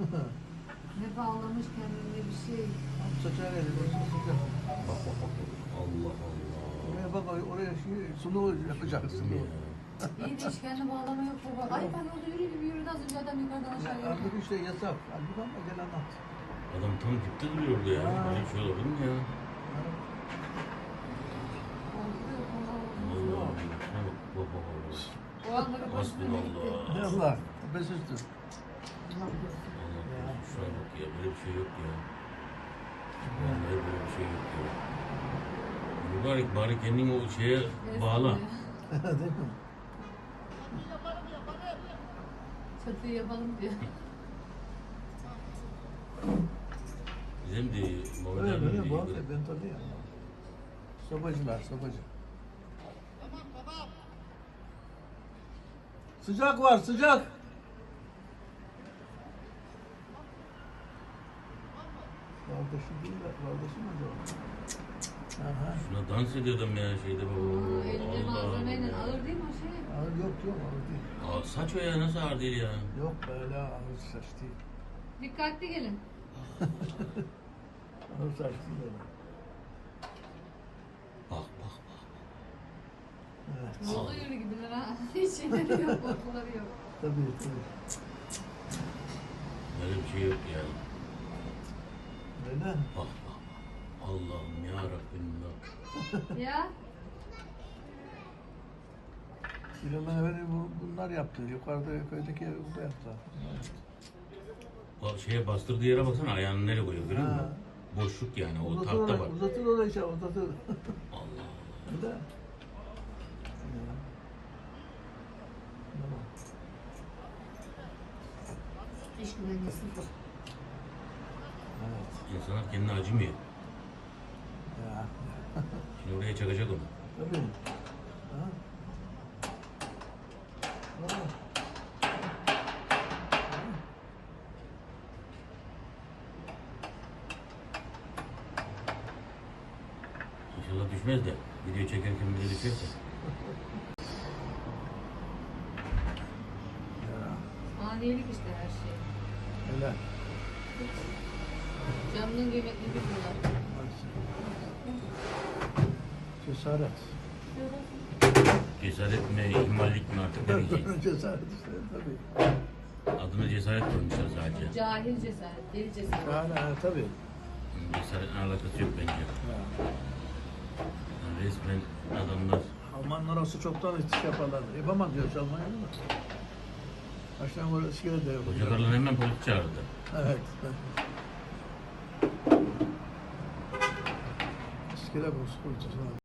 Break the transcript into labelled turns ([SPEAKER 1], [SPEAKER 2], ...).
[SPEAKER 1] Ne bağlamış kendine bir şey.
[SPEAKER 2] Saçar eli sıcak.
[SPEAKER 3] Bak bak bak. Allah Allah.
[SPEAKER 2] Oraya bak oraya sulu yapacaksın.
[SPEAKER 1] İyi de hiç kendi bağlama yok baba. Ay ben orada yürüdü az önce adam yukarıdan aşağıya.
[SPEAKER 2] Artık işte yasak. Halbuki ama gel anlat.
[SPEAKER 3] Adam tam dipte duruyor orada ya.
[SPEAKER 2] Ha.
[SPEAKER 3] Böyle bir şey olabilir mi ya? Allah Allah. Şuna bak. Bak bak bak.
[SPEAKER 1] O anda bir başına gitti.
[SPEAKER 2] Ne
[SPEAKER 3] Hasbunallah.
[SPEAKER 2] Allah. Bes üstü.
[SPEAKER 1] Allah korusun.
[SPEAKER 3] Allah korusun. Şuna bak ya. Böyle bir şey yok ya. Vallahi böyle bir şey yok ya. Mübarek bari kendini o şeye bağla.
[SPEAKER 2] Değil mi?
[SPEAKER 1] Çatıyı yapalım diyor.
[SPEAKER 3] Bizim de Mehmet
[SPEAKER 2] Öyle
[SPEAKER 3] abi
[SPEAKER 2] böyle
[SPEAKER 3] de
[SPEAKER 2] bu arada ben tanıyorum. Sobacılar, sobacı. Sıcak var, sıcak. Kardeşi değil, kardeşi mi acaba? Aha.
[SPEAKER 3] şuna dans ediyor adam ya şeyde baba.
[SPEAKER 1] Elinde malzemeyle ağır değil mi o şey?
[SPEAKER 2] Ağır yok yok, ağır değil.
[SPEAKER 3] Aa, saç o ya nasıl ağır değil ya.
[SPEAKER 2] Yok böyle ağır saç değil.
[SPEAKER 1] Dikkatli gelin.
[SPEAKER 2] Ağır saç değil öyle.
[SPEAKER 3] Bak bak bak.
[SPEAKER 2] Evet.
[SPEAKER 1] Yolda yürü gibiler ha. Hiç şeyleri yok, korkuları yok.
[SPEAKER 2] Tabii tabii.
[SPEAKER 3] Böyle bir şey yok ya.
[SPEAKER 2] Öyle.
[SPEAKER 3] Bak bak bak. Allah'ım ya Rabbim ya.
[SPEAKER 1] Ya
[SPEAKER 2] Kilomen evveli bunlar yaptı. Yukarıda köydeki evi burada yaptı.
[SPEAKER 3] O şeye bastırdığı yere baksana ayağını nereye koyuyor görüyor musun?
[SPEAKER 2] Ha.
[SPEAKER 3] Boşluk yani o
[SPEAKER 2] Uzatır
[SPEAKER 3] tahta
[SPEAKER 2] orayı,
[SPEAKER 3] var.
[SPEAKER 2] uzatır orayı işte, uzatır.
[SPEAKER 3] Allah.
[SPEAKER 2] Öyle. Tamam.
[SPEAKER 1] iş güvenliği sıfır.
[SPEAKER 2] Evet.
[SPEAKER 3] İnsanlar kendine acımıyor.
[SPEAKER 2] Ya.
[SPEAKER 3] Şimdi oraya çakacak onu.
[SPEAKER 2] Tabii. Ha? Ha.
[SPEAKER 3] İnşallah düşmez de video çekerken bile düşerse.
[SPEAKER 2] Ya.
[SPEAKER 1] Aniyelik işte her şey.
[SPEAKER 2] Öyle.
[SPEAKER 1] Canının kıymetini biliyorlar.
[SPEAKER 2] Cesaret.
[SPEAKER 3] Cesaret mi, ihmallik mi artık ne diyeceğim.
[SPEAKER 2] Cesaret işte tabii.
[SPEAKER 3] Adına cesaret koymuşlar sadece.
[SPEAKER 1] Cahil cesaret, deli cesaret.
[SPEAKER 2] Yani tabii.
[SPEAKER 3] Cesaretin alakası yok bence.
[SPEAKER 2] Ya.
[SPEAKER 3] Yani resmen adamlar
[SPEAKER 2] Almanlar olsa çoktan iş yaparlardı. Yapamaz diyor Almanya'da da. Baştan böyle iskele de yok.
[SPEAKER 3] hocalarla hemen polis çağırdı.
[SPEAKER 2] Evet. İskele bu,